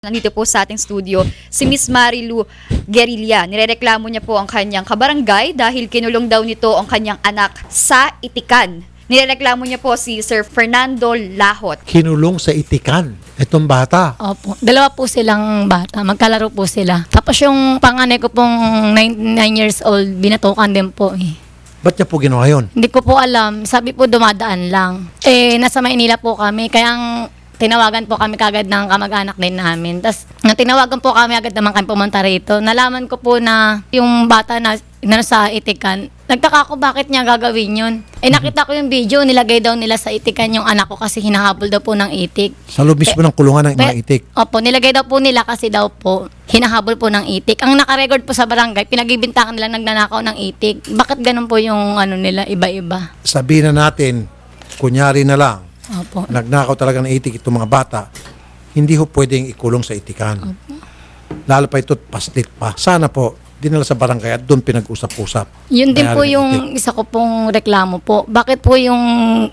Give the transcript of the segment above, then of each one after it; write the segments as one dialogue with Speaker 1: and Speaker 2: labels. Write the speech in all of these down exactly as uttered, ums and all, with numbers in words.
Speaker 1: Nandito po sa ating studio si Miss Marilu Guerrilla. Nirereklamo niya po ang kanyang kabarangay dahil kinulong daw nito ang kanyang anak sa Itikan. Nirereklamo niya po si Sir Fernando Lahot.
Speaker 2: Kinulong sa Itikan itong bata.
Speaker 3: Opo. Dalawa po silang bata. Magkalaro po sila. Tapos yung panganay ko pong nine years old, binatukan din po eh.
Speaker 2: Ba't niya po ginawa yun?
Speaker 3: Hindi ko po alam. Sabi po dumadaan lang. Eh, nasa Maynila po kami. Kaya ang tinawagan po kami kagad ng kamag-anak din namin. Tapos, nang tinawagan po kami agad naman kami pumunta rito. Nalaman ko po na yung bata na, na sa Itikan, nagtaka ako bakit niya gagawin yun. Eh, nakita ko yung video, nilagay daw nila sa Itikan yung anak ko kasi hinahabol daw po ng itik.
Speaker 2: Sa loob mismo ng kulungan ng mga
Speaker 3: Pe-
Speaker 2: itik.
Speaker 3: Opo, nilagay daw po nila kasi daw po, hinahabol po ng itik. Ang nakarecord po sa barangay, pinagbibintangan nila nagnanakaw ng itik. Bakit ganun po yung ano nila, iba-iba?
Speaker 2: Sabihin na natin, kunyari na lang,
Speaker 3: Opo.
Speaker 2: nagnakaw talaga ng itik itong mga bata, hindi ho pwedeng ikulong sa Itikan.
Speaker 3: Opo.
Speaker 2: Lalo pa ito't paslit pa. Sana po, dinala sa barangay at doon pinag-usap-usap.
Speaker 3: Yun din
Speaker 2: Mayari
Speaker 3: po
Speaker 2: ng
Speaker 3: yung
Speaker 2: itik.
Speaker 3: isa ko pong reklamo po. Bakit po yung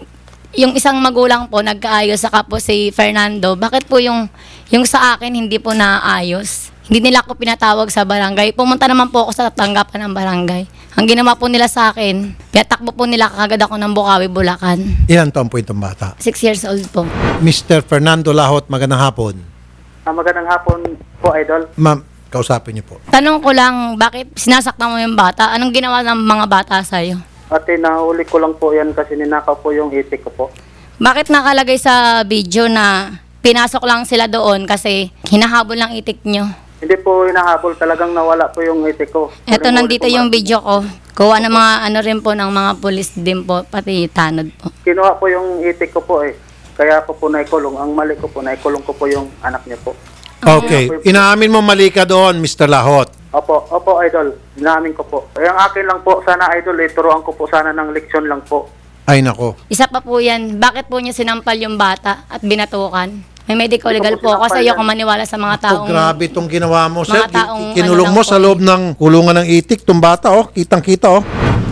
Speaker 3: yung isang magulang po nagkaayos saka po si Fernando, bakit po yung yung sa akin hindi po naayos? Hindi nila ako pinatawag sa barangay. Pumunta naman po ako sa tanggapan ng barangay. Ang ginawa po nila sa akin, pinatakbo po nila kagad ako ng Bukawi, Bulacan.
Speaker 2: Ilan taon po itong bata?
Speaker 3: Six years old po.
Speaker 2: mister Fernando Lahot, magandang hapon.
Speaker 4: Ah, magandang hapon po, Idol.
Speaker 2: Ma'am, kausapin niyo po.
Speaker 3: Tanong ko lang, bakit sinasaktan mo yung bata? Anong ginawa ng mga bata sa'yo?
Speaker 4: Ate, nahuli ko lang po yan kasi ninakaw po yung itik ko po.
Speaker 3: Bakit nakalagay sa video na pinasok lang sila doon kasi hinahabol ng itik nyo?
Speaker 4: Hindi po hinahabol, talagang nawala po yung itik ko.
Speaker 3: Eto,
Speaker 4: Huling-huli
Speaker 3: nandito
Speaker 4: po,
Speaker 3: yung
Speaker 4: ma'am.
Speaker 3: video ko. Kuha ng mga ano rin po ng mga pulis din po, pati tanod po.
Speaker 4: Kinuha po yung itik ko po eh. Kaya ko po naikulong. Ang mali ko po, naikulong ko po yung anak niya po.
Speaker 2: Okay, inaamin mo mali ka doon, mister Lahot.
Speaker 4: Opo, opo, Idol. Inamin ko po. Yung akin lang po, sana, Idol, eh, turuan ko po sana ng leksyon lang po.
Speaker 2: Ay nako.
Speaker 3: Isa pa po yan, bakit po niya sinampal yung bata at binatukan? May medical
Speaker 4: Hindi ko
Speaker 3: legal
Speaker 4: po
Speaker 3: po ako
Speaker 4: sinampal
Speaker 3: sa iyo
Speaker 4: yan.
Speaker 3: kung maniwala sa mga
Speaker 2: Oh,
Speaker 3: taong...
Speaker 2: grabe itong ginawa mo, sir.
Speaker 3: mga taong
Speaker 2: Ki- Kinulong
Speaker 3: ano
Speaker 2: mo
Speaker 3: lang
Speaker 2: sa
Speaker 3: po.
Speaker 2: loob ng kulungan ng itik itong bata, oh. Kitang-kita, oh.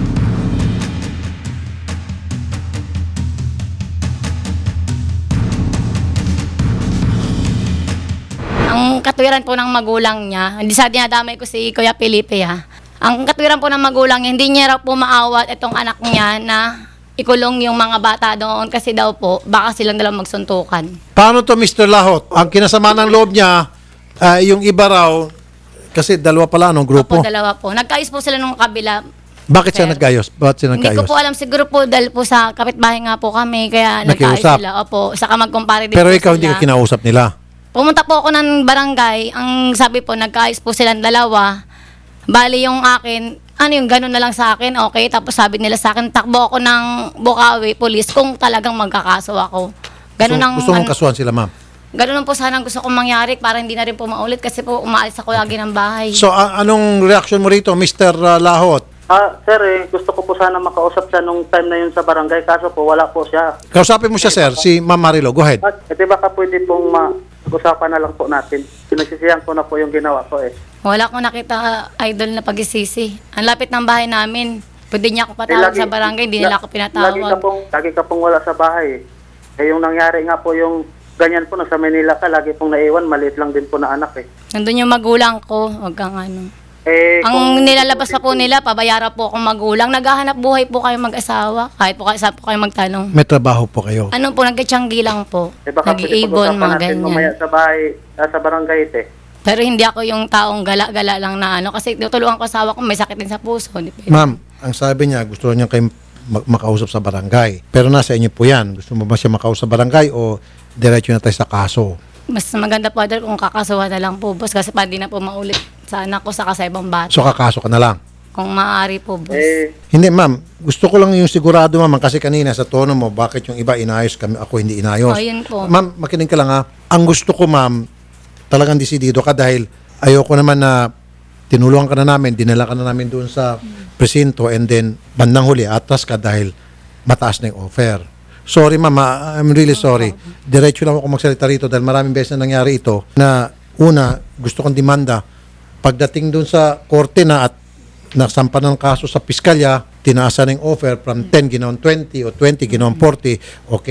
Speaker 3: Ang katwiran po ng magulang niya, hindi sa dinadamay ko si Kuya Felipe ha. Ang katwiran po ng magulang niya, hindi niya raw po maawat itong anak niya na ikulong yung mga bata doon kasi daw po, baka silang dalawang magsuntukan.
Speaker 2: Paano to, mister Lahot? Ang kinasama ng loob niya, ah, yung iba raw, kasi dalawa pala, anong grupo?
Speaker 3: Opo, dalawa po. Nagkaayos po sila nung kabila.
Speaker 2: Bakit siya
Speaker 3: Sir.
Speaker 2: nagkayos? Bakit siya
Speaker 3: Hindi
Speaker 2: nagkayos?
Speaker 3: ko po alam, siguro po dahil po sa kapitbahay nga po kami, kaya nagkaayos
Speaker 2: Nakiusap.
Speaker 3: sila. Opo, saka magkumpare din
Speaker 2: Pero
Speaker 3: po
Speaker 2: ikaw
Speaker 3: sila.
Speaker 2: hindi ka kinausap nila.
Speaker 3: Pumunta po ako ng barangay, ang sabi po, nagkaayos po silang dalawa. Bali yung akin, ano yung gano'n na lang sa akin, okay. Tapos sabi nila sa akin, takbo ako ng Bukawi Police kung talagang magkakaso ako. Ganun
Speaker 2: So,
Speaker 3: ang,
Speaker 2: gusto mong
Speaker 3: ano,
Speaker 2: kasuhan sila, ma'am.
Speaker 3: ganun lang po sana ang gusto kong mangyari para hindi na rin po maulit kasi po umaalis ako lagi ng bahay.
Speaker 2: So, a- anong reaction mo rito, mister Lahot?
Speaker 4: Ah, sir, eh, gusto ko po sana makausap siya nung time na yun sa barangay. Kaso po, wala po siya.
Speaker 2: Kausapin mo siya, sir, si Ma'am Marilo. Go ahead.
Speaker 4: At, ito baka pwede pong mag-usapan na lang po natin. Pinagsisihan ko na po yung ginawa ko eh.
Speaker 3: Wala akong nakita idol na pagisisi. Ang lapit ng bahay namin. Pwede niya ako
Speaker 4: Eh,
Speaker 3: patawag
Speaker 4: lagi-
Speaker 3: sa barangay, hindi nila ako
Speaker 4: Lagi ka
Speaker 3: pinatawag.
Speaker 4: pong, lagi ka pong wala sa bahay. Eh, yung nangyari nga po yung ganyan po, nasa Manila ka, lagi pong naiwan, maliit lang din po na anak eh.
Speaker 3: Nandun yung magulang ko, wag kang ano.
Speaker 4: Eh,
Speaker 3: Ang
Speaker 4: kung-
Speaker 3: nilalabas pa po nila, pabayara po akong magulang. Naghahanap buhay po kayo mag-asawa. Kahit po kayo, saan po kayo magtanong.
Speaker 2: May trabaho po kayo.
Speaker 3: Ano po, nagkatiyanggi lang po.
Speaker 4: Eh, baka pwede
Speaker 3: Nag-iibon,
Speaker 4: pag-usapan
Speaker 3: mga
Speaker 4: natin mamaya
Speaker 3: ganyan.
Speaker 4: sa bahay, ah, sa barangay ite.
Speaker 3: Pero hindi ako yung taong gala-gala lang na ano. Kasi tutulungan ko asawa ko, may sakit din sa puso. Di ba?
Speaker 2: Ma'am, ang sabi niya, gusto niya kayo ma- makausap sa barangay. Pero nasa inyo po yan. Gusto mo ba siya makausap sa barangay o diretso na tayo sa kaso?
Speaker 3: Mas maganda po dahil kung kakasuhan na lang po, boss. Kasi pa di na po maulit sa anak ko sa sa ibang bata.
Speaker 2: So, kakaso ka na lang.
Speaker 3: Kung maaari po, boss.
Speaker 4: Eh,
Speaker 2: Hindi, ma'am. Gusto ko lang yung sigurado, ma'am. Kasi kanina sa tono mo, bakit yung iba inayos kami, ako hindi inayos.
Speaker 3: O, yun po.
Speaker 2: Ma'am, makinig ka lang ha. Ang gusto ko, ma'am, talagang desidido ka dahil ayoko naman na tinulungan ka na namin, dinala ka na namin doon sa presinto and then bandang huli, atras ka dahil mataas na yung offer. Sorry, ma'am. ah, I'm really sorry. Diretso lang ako magsalita rito dahil maraming beses na nangyari ito na una, gusto kong demanda. Pagdating doon sa korte na at nasampa ng kaso sa piskalya, tinaasan ng offer from ten ginawang twenty o twenty ginawang forty, okay na.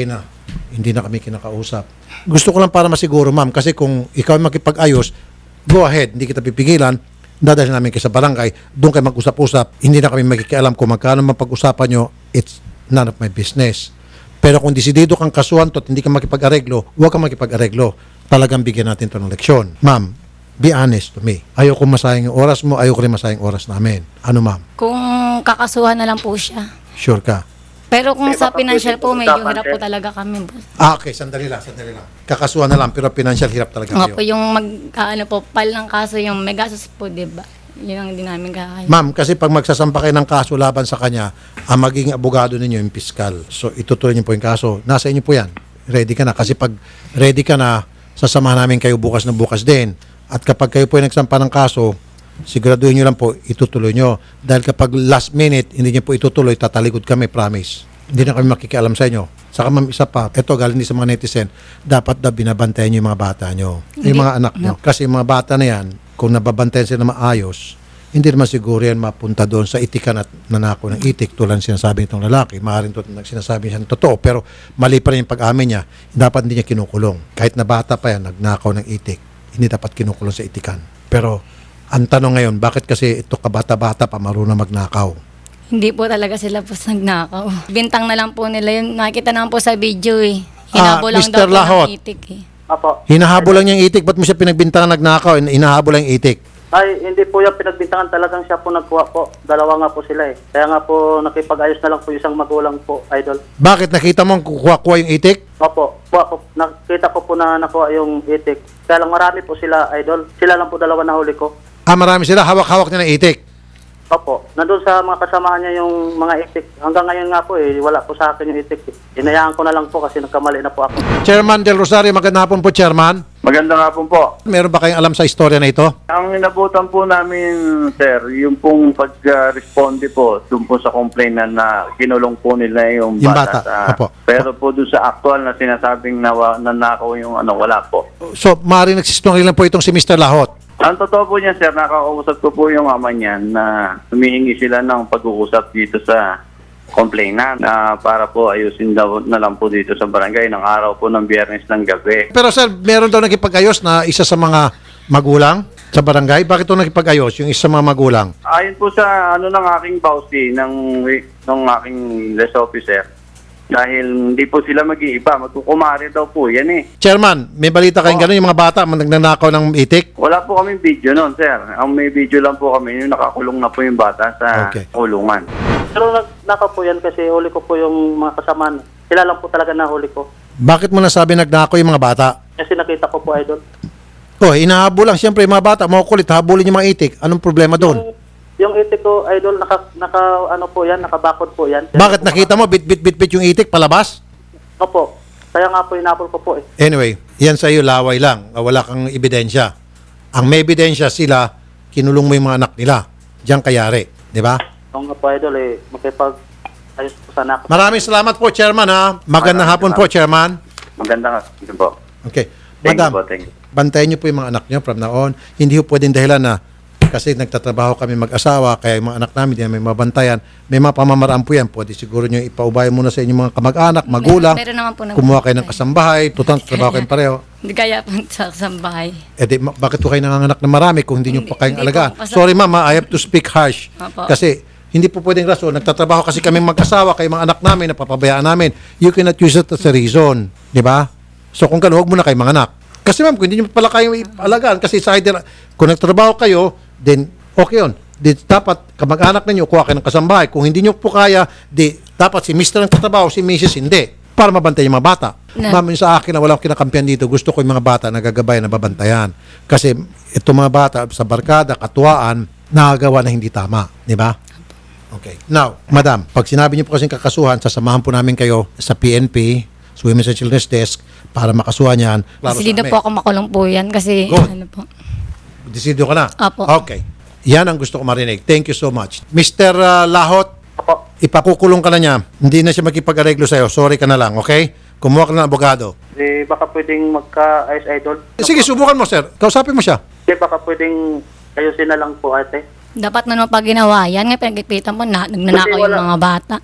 Speaker 2: hindi na kami kinakausap. Gusto ko lang para masiguro, ma'am, kasi kung ikaw ay makipag-ayos, go ahead, hindi kita pipigilan, dadalhin namin kayo sa barangay, doon kayo mag-usap-usap, hindi na kami magkikialam kung magkano man pag-usapan nyo, it's none of my business. Pero kung desidido kang kasuhan to at hindi ka makipag-areglo, huwag kang makipag-areglo. Talagang bigyan natin to ng leksyon. Ma'am, be honest to me. Ayoko masayang yung oras mo, ayoko rin masayang oras namin. Ano, ma'am?
Speaker 3: Kung kakasuhan na lang po siya.
Speaker 2: Sure ka?
Speaker 3: Pero kung
Speaker 4: Eh,
Speaker 3: sa
Speaker 4: baka
Speaker 3: financial
Speaker 4: pwede
Speaker 3: po,
Speaker 4: po
Speaker 3: medyo
Speaker 4: usapan,
Speaker 3: hirap po
Speaker 4: sir.
Speaker 3: talaga kami, boss.
Speaker 2: Ah, okay. Sandali lang, sandali lang. Kakasuhan na lang, pero financial hirap talaga
Speaker 3: Nga po,
Speaker 2: kayo.
Speaker 3: yung mag, ano po, pal ng kaso, yung may gastos po, di ba? Yun ang hindi namin kaya.
Speaker 2: Ma'am, kasi pag magsasampa kayo ng kaso laban sa kanya, ang magiging abogado ninyo yung piskal. So, itutuloy niyo po yung kaso. Nasa inyo po yan. Ready ka na. Kasi pag ready ka na, sasamahan namin kayo bukas na bukas din. At kapag kayo po yung nagsampa ng kaso, siguraduhin nyo lang po, itutuloy nyo. Dahil kapag last minute, hindi nyo po itutuloy, tatalikod kami, promise. Hindi na kami makikialam sa inyo. Saka ma'am, isa pa, ito galing din sa mga netizen, dapat daw binabantayan nyo yung mga bata nyo. Yung mga anak nyo. Kasi yung mga bata na yan, kung nababantayan sila maayos, hindi naman siguro yan mapunta doon sa itikan at nanako ng itik tulad ng sinasabi nitong lalaki. Maaaring to, sinasabi niya ng totoo, pero mali pa rin yung pag-amin niya. Dapat hindi niya kinukulong. Kahit na bata pa yan, nagnakaw ng itik, hindi dapat kinukulong sa itikan. Pero ang tanong ngayon, bakit kasi ito kabata-bata pa marunong magnakaw?
Speaker 3: Hindi po talaga sila po nagnakaw. Bintang na lang po nila yun. Nakita naman po sa video eh.
Speaker 2: Ah,
Speaker 3: Hinabo lang
Speaker 2: Mister
Speaker 3: daw po
Speaker 2: Lahot.
Speaker 3: ng itik eh.
Speaker 4: Apo.
Speaker 2: Hinahabol lang yung itik, ba't mo siya pinagbintangan nagnakaw? Hinahabol lang yung itik.
Speaker 4: Ay, hindi po yung pinagbintangan, talagang siya po nagkuha po. Dalawa nga po sila eh. Kaya nga po nakipag-ayos na lang po isang magulang po, idol.
Speaker 2: Bakit nakita mo kukuha-kuha yung itik?
Speaker 4: Opo, kuha po, nakita ko po na nakuha yung itik. Kaya lang marami po sila, idol. Sila lang po dalawa na huli ko.
Speaker 2: Ah, marami sila, hawak-hawak niya ng itik.
Speaker 4: Opo, nandun sa mga kasamahan niya yung mga itik. Hanggang ngayon nga po eh, wala po sa akin yung itik. Inayaan ko na lang po kasi nagkamali na po ako.
Speaker 2: Chairman Del Rosario, magandang hapon po, Chairman.
Speaker 5: Magandang hapon po.
Speaker 2: Meron ba kayong alam sa istorya na ito?
Speaker 5: Ang inabutan po namin, sir, yung pong pag-responde po dun po sa complaint na, na kinulong po nila yung
Speaker 2: Yung
Speaker 5: bata.
Speaker 2: bata,
Speaker 5: sa-
Speaker 2: opo.
Speaker 5: Pero po dun sa actual na sinasabing nawa, nanakaw yung ano, wala po.
Speaker 2: So, maaaring nagsistungaling lang po itong si Mister Lahot.
Speaker 5: Ang totoo po niya, sir, nakakausap ko po yung ama niya na humihingi sila ng pag-uusap dito sa complainant na para po ayusin daw na lang po dito sa barangay ng araw po ng Biyernes ng gabi.
Speaker 2: Pero sir, meron daw nakipag-ayos na isa sa mga magulang sa barangay. Bakit ito nakipag-ayos, yung isa sa mga magulang?
Speaker 5: Ayon po sa ano ng aking bawsi ng ng aking less officer, dahil hindi po sila mag-iiba, magkukumari daw po yan eh.
Speaker 2: Chairman, may balita kayong gano'n yung mga bata nagnanakaw ng itik?
Speaker 5: Wala po kaming video noon, sir. Ang may video lang po kami, yung nakakulong na po yung bata sa
Speaker 2: Okay.
Speaker 5: kulungan.
Speaker 4: Pero nagnakaw po yan kasi huli ko po yung mga kasamahan. Sila lang po talaga na huli ko.
Speaker 2: Bakit mo nasabi nagnakaw yung mga bata?
Speaker 4: Kasi nakita ko po, idol.
Speaker 2: Oh, inahabol lang siyempre yung mga bata, makukulit, habulin yung mga itik. Anong problema doon?
Speaker 4: Yung, yung itik ko, idol, naka, naka, ano po yan, nakabakod po yan.
Speaker 2: Bakit nakita mo, bit bit bit bit yung itik palabas?
Speaker 4: Opo. Kaya nga po, inapol ko po eh.
Speaker 2: Anyway, yan sa iyo laway lang. Wala kang ebidensya. Ang may ebidensya sila, kinulong mo yung mga anak nila. Diyan kayari. Di ba?
Speaker 4: Oo nga po, idol eh. Makipag ayos po sana ako.
Speaker 2: Maraming salamat po, Chairman. Ha? Magandang hapon po, Chairman.
Speaker 5: Maganda nga po.
Speaker 2: Okay.
Speaker 5: Thank
Speaker 2: Madam,
Speaker 5: you po, thank you.
Speaker 2: bantayan niyo po yung mga anak niyo from now on. Hindi po pwedeng dahilan na kasi nagtatrabaho kami mag-asawa, kaya yung mga anak namin, di namin mabantayan. May mga pamamaraan po yan. Pwede siguro nyo ipaubay muna sa inyong mga kamag-anak, magulang.
Speaker 3: Meron naman po na-
Speaker 2: Kumuha kayo ng kasambahay. Tutang trabaho kayong pareho.
Speaker 3: Hindi kaya po sa sambahay.
Speaker 2: Eh di, ma- bakit po kayo nanganganak na marami kung hindi nyo pa kayong
Speaker 3: Hindi
Speaker 2: alagaan?
Speaker 3: po, kasi-
Speaker 2: Sorry mama, I have to speak harsh.
Speaker 3: Opo.
Speaker 2: Kasi hindi po pwedeng rason. Nagtatrabaho kasi kami mag-asawa, kayo mga anak namin, napapabayaan namin. You cannot use it as a reason. Di ba? So kung gano'n, huwag muna kayo mga anak. Kasi ma'am, kung hindi nyo pala kayo alagaan, kasi sa either, kung nagtrabaho kayo, then okay yun. Di, dapat kamag-anak ninyo, kuha kayo ng kasambahay. Kung hindi nyo po kaya, di, dapat si Mister ang tatrabaho, si Missus hindi. Para mabantayan yung mga bata.
Speaker 3: Na-
Speaker 2: Ma'am, yung sa akin na walang kinakampihan dito, gusto ko yung mga bata nagagabayan na babantayan. Kasi ito mga bata sa barkada, katuwaan, nakagawa na hindi tama. Di ba? Okay. Now, madam, pag sinabi niyo po kasing kakasuhan, sasamahan po namin kayo sa P N P, sa Women's and Children's Desk, para makasuhan yan. Klaro
Speaker 3: Kasi
Speaker 2: sa
Speaker 3: dito
Speaker 2: amin.
Speaker 3: po ako makulong po yan kasi
Speaker 2: Good.
Speaker 3: ano po.
Speaker 2: Desidido ka na?
Speaker 3: Apo.
Speaker 2: Okay. Yan ang gusto ko marinig. Thank you so much. Mister uh, Lahot,
Speaker 4: Opo.
Speaker 2: ipakukulong ka na niya. Hindi na siya makipag-areglo sa'yo. Sorry ka na lang, okay? Kumuha ka na ng abogado.
Speaker 4: Eh, baka pwedeng magka-ayos, idol.
Speaker 2: Sige, subukan mo, sir. Kausapin mo siya.
Speaker 4: Eh, baka pwedeng ayusin na lang po, ate.
Speaker 3: Dapat na naman pag ginawa yan, nga pinagkipitan mo na nagnanakaw
Speaker 4: Kasi
Speaker 3: yung
Speaker 4: wala-
Speaker 3: mga bata.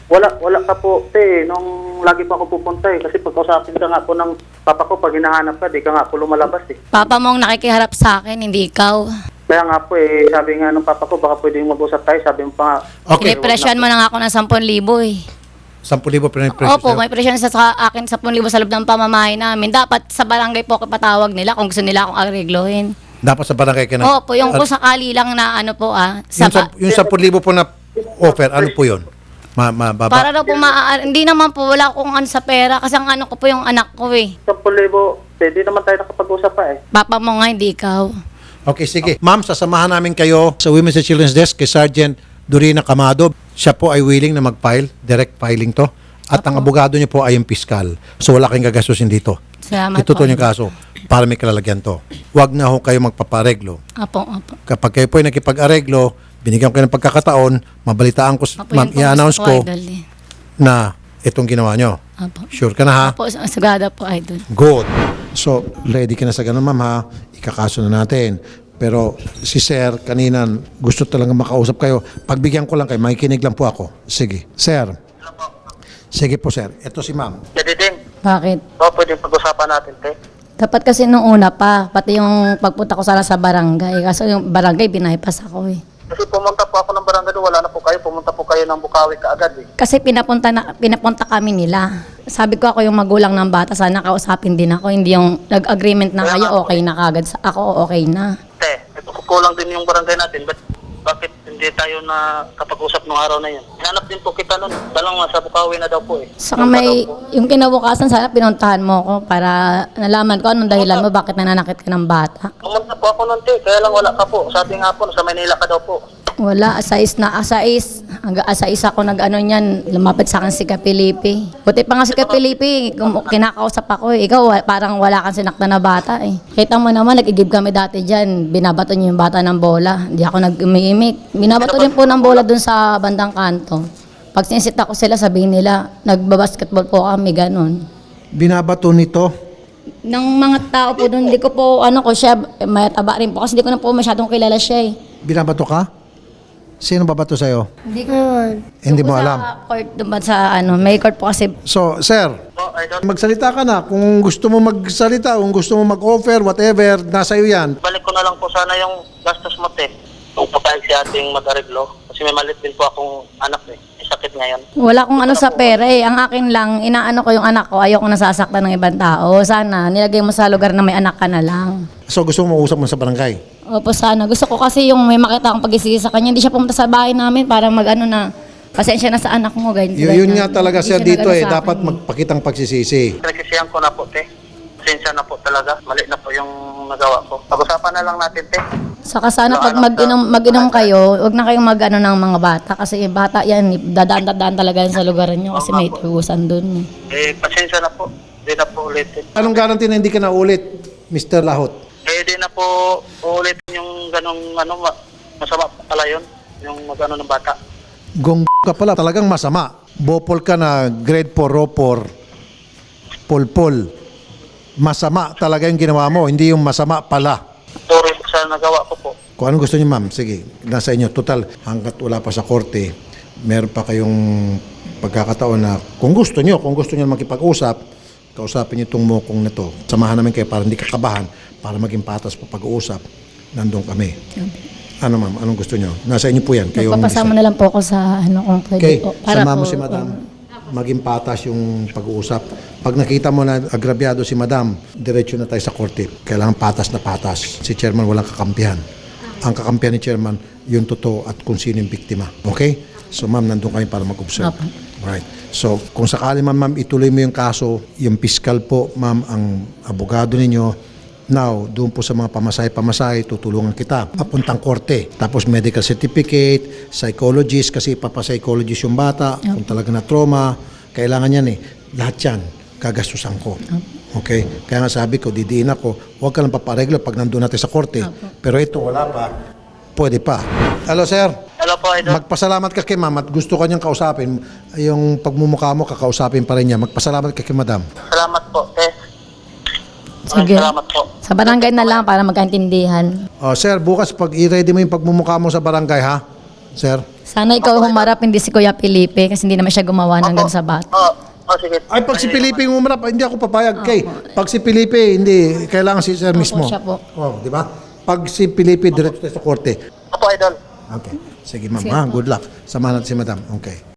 Speaker 4: Wala, wala ka po, te, nung lagi pa ako pupunta eh. Kasi pagkausapin ka nga po ng papa ko, pag hinahanap ka, di ka nga po lumalabas eh.
Speaker 3: Papa mo ang nakikiharap sa akin, hindi ikaw.
Speaker 4: Kaya nga po eh, sabi nga ng papa ko, baka pwedeng mag-usap tayo. Sabi mo pa nga,
Speaker 2: Okay.
Speaker 3: Pinipresyon mo na nga ako ng ten thousand eh.
Speaker 2: ten thousand pinag-pressure
Speaker 3: Opo,
Speaker 2: sa'yo.
Speaker 3: may presyon sa, sa akin ten thousand sa loob ng pamamahay namin. Dapat sa barangay po ako patawag nila kung gusto nila akong areglohin.
Speaker 2: Dapat sa barangay ka na.
Speaker 3: Opo, yung kung sakali lang na ano po ah.
Speaker 2: Yung,
Speaker 3: Sa,
Speaker 2: sa, yung ten thousand po na offer, ano po yun? Ma, ma, baba?
Speaker 3: para daw po maa- hindi naman po, wala akong ano sa pera kasi ang ano ko po yung anak ko eh.
Speaker 4: ten libo, pwede naman tayo nakapag-usap pa eh.
Speaker 3: Papa mo nga, hindi ikaw.
Speaker 2: Okay, sige. Ma'am, sasamahan namin kayo sa Women's and Children's Desk kay Sergeant Dorina Camado. Siya po ay willing na mag-file, direct filing to. At ang abogado niyo po ay yung piskal. So wala kayong gagastusin dito.
Speaker 3: Salamat
Speaker 2: Itutuloy
Speaker 3: po.
Speaker 2: yung kaso para may kalalagyan to. Huwag na ho kayo magpapareglo.
Speaker 3: Apo, apo.
Speaker 2: Kapag kayo po ay nakipag-areglo, binigyan ko kayo ng pagkakataon, mabalitaan ko,
Speaker 3: Apo,
Speaker 2: ma'am,
Speaker 3: yun po
Speaker 2: i-announce
Speaker 3: gusto
Speaker 2: ko
Speaker 3: Idol, eh.
Speaker 2: na itong ginawa nyo.
Speaker 3: Apo.
Speaker 2: Sure ka na ha?
Speaker 3: Apo, sagada po, idol.
Speaker 2: Good. So, ready ka na sa ganun, ma'am, ha? Ikakaso na natin. Pero si Sir, kanina, gusto talaga makausap kayo. Pagbigyan ko lang kayo, makikinig lang po ako. Sige. Sir. Sige po, Sir. Ito si ma'am.
Speaker 4: Jadi din,
Speaker 3: Bakit?
Speaker 4: baka pwedeng pag-usapan natin, te.
Speaker 3: Dapat kasi nung una pa, pati yung pagpunta ko sana sa barangay. Kaso yung barangay, binahipas ako eh.
Speaker 4: Kasi pumunta po ako ng barangay doon, wala na po kayo. Pumunta po kayo ng Bukawi kaagad eh.
Speaker 3: Kasi pinapunta, na, pinapunta kami nila. Sabi ko ako yung magulang ng bata, sana kausapin din ako. Hindi yung nag-agreement na kayo, okay na kagad. Sa- Ako, okay na.
Speaker 4: Te, ito kukulang din yung barangay natin. But bakit hindi tayo na kapag-usap nung araw na yun? Hinanap din po kita nun. Dalang nasa Bukawi na daw po eh.
Speaker 3: Saka
Speaker 4: Doon pa
Speaker 3: may,
Speaker 4: daw po.
Speaker 3: yung kinabukasan, sana pinuntahan mo ako para nalaman ko anong dahilan mo, bakit nananakit ka ng bata.
Speaker 4: Pumunta po ako nun, te. Kaya lang wala ka po. Sabi nga po, sa Manila ka daw po.
Speaker 3: Wala, asais na asais. Hanggang asais ako nag-ano niyan, lumapit sa akin si Kapilipi. Buti pa nga si Kapilipi, kum- kinakausap ako eh. Ikaw, wa- parang wala kang sinakta na bata eh. Kita mo naman, nag-igib kami dati dyan. Binabato niyo yung bata ng bola. Hindi ako nag-umiimik. Binabato rin po ng bola dun sa bandang kanto. Pag sinisita ko sila, sabihin nila, nagbabasketball po kami, ganun.
Speaker 2: Binabato nito.
Speaker 3: Ng mga tao po doon, hindi ko po, ano ko siya, eh, may taba rin po. Kasi hindi ko na po masyadong kilala siya eh.
Speaker 2: Binabato ka? Sino babato sa'yo?
Speaker 3: Hindi ko.
Speaker 2: Hindi mo
Speaker 3: Sa
Speaker 2: alam.
Speaker 3: court, doon ba sa ano, may court po kasi.
Speaker 2: So, Sir,
Speaker 4: Oh, I don't...
Speaker 2: magsalita ka na. Kung gusto mo magsalita, kung gusto mo mag-offer, whatever, nasa iyo yan.
Speaker 4: Balik ko na lang po sana yung gastos mo, te. Kung papayag si ating mag-areglo. Kasi may malit din po akong anak eh. May sakit ngayon.
Speaker 3: Wala akong ano sa pera eh. Ang akin lang, inaano ko yung anak ko, ayoko nasasaktan ng ibang tao. Sana, nilagay mo sa lugar na may anak ka na lang.
Speaker 2: So, gusto mo mausap mo sa barangay?
Speaker 3: Opo, sana. Gusto ko kasi yung may makita akong pag-isisi sa kanya. Hindi siya pumunta sa bahay namin para mag-ano na, pasensya na sa anak mo. Ganyan,
Speaker 2: Y- yun nga
Speaker 3: ganyan.
Speaker 2: talaga,
Speaker 3: Hindi
Speaker 2: Sir,
Speaker 3: siya
Speaker 2: dito
Speaker 3: nag-ano
Speaker 2: eh.
Speaker 3: sa
Speaker 2: Dapat
Speaker 3: akin.
Speaker 2: magpakitang pagsisisi.
Speaker 4: Nagsisiyan ko na po, te. Pasensya na po talaga. Mali na po yung nagawa ko. Pag-usapan na lang natin, te.
Speaker 3: Saka sana pag
Speaker 4: Ano,
Speaker 3: mag-inom,
Speaker 4: sa-
Speaker 3: mag-inom kayo, huwag na kayong mag-ano ng mga bata. Kasi yung bata yan, dadaan-dadaan talaga yan sa lugar nyo kasi may tugusan dun.
Speaker 4: Eh, pasensya na po. Hindi na po ulitin.
Speaker 2: Anong guarantee na hindi ka na ulit, Mister Lahot?
Speaker 4: Eh, di na po uulitin yung ganong ano, ma- masama pala yun. Yung mag-ano ng bata.
Speaker 2: Gong ka pala, talagang masama. Bopol ka na grade four, ropor, pulpul. Masama talaga yung ginawa mo, hindi yung masama pala.
Speaker 4: Sorry sa nagawa ko po.
Speaker 2: Kung anong gusto niyo, ma'am, sige, nasa inyo. Total, hanggat wala pa sa korte, meron pa kayong pagkakataon na kung gusto niyo, kung gusto niyo makipag-usap, kausapin niyo itong mukong na to. Samahan namin kayo para hindi kakabahan, para maging patas pa pag-uusap. Nandun kami. Ano ma'am, anong gusto niyo? Nasa inyo po yan. Kayo ang
Speaker 3: Magpapasama na lang po ako sa ano kung pwede
Speaker 2: Okay,
Speaker 3: po.
Speaker 2: sama mo
Speaker 3: po,
Speaker 2: si madam. Maging patas yung pag-uusap. Pag nakita mo na agrabyado si madam, diretso na tayo sa korte. Kailangan patas na patas. Si chairman walang kakampihan. Ang kakampihan ni chairman, yung totoo at kung sino yung biktima. Okay? So ma'am, nandun kami para mag-observe.
Speaker 3: Opo.
Speaker 2: Right. So kung sakali man ma'am, ituloy mo yung kaso, yung piskal po, ma'am, ang abogado ninyo, now, doon po sa mga pamasahe-pamasahe, tutulungan kita. Papuntang korte. Tapos medical certificate, psychologist, kasi papapsychologist yung bata, kung talaga na trauma, kailangan yan eh. Lahat yan, gagastusan ko. Okay? Kaya nga sabi ko, didiin ako, huwag ka lang papareglo pag nandun natin sa korte. Pero ito, wala pa. Pwede pa. Hello, sir.
Speaker 4: Hello po, Idol.
Speaker 2: Magpasalamat ka kay ma'am at gusto ka niyang kausapin. Yung pagmumukha mo, kakausapin pa rin niya. Magpasalamat ka kay madam.
Speaker 4: Salamat po, te.
Speaker 3: Sige.
Speaker 4: Salamat po.
Speaker 3: Sa barangay na lang para magkaintindihan.
Speaker 2: Oh, sir, bukas pag i-ready mo yung pagmumukha mo sa barangay, ha? Sir?
Speaker 3: Sana ikaw humarap, hindi si Kuya Felipe kasi hindi naman siya gumawa ng ganun sa bata.
Speaker 4: Oo, oh, sige.
Speaker 2: Ay, pag si Felipe yung umarap, hindi ako papayag kay. Pag si Felipe, hindi. Kailangan si sir mismo.
Speaker 3: siya po.
Speaker 2: Oh, di ba? Pag si Felipe, diretso tayo sa korte.
Speaker 4: Opo, idol.
Speaker 2: Okay. Sige, ma'am. Ha? Good luck. Samahan natin si madam. Okay.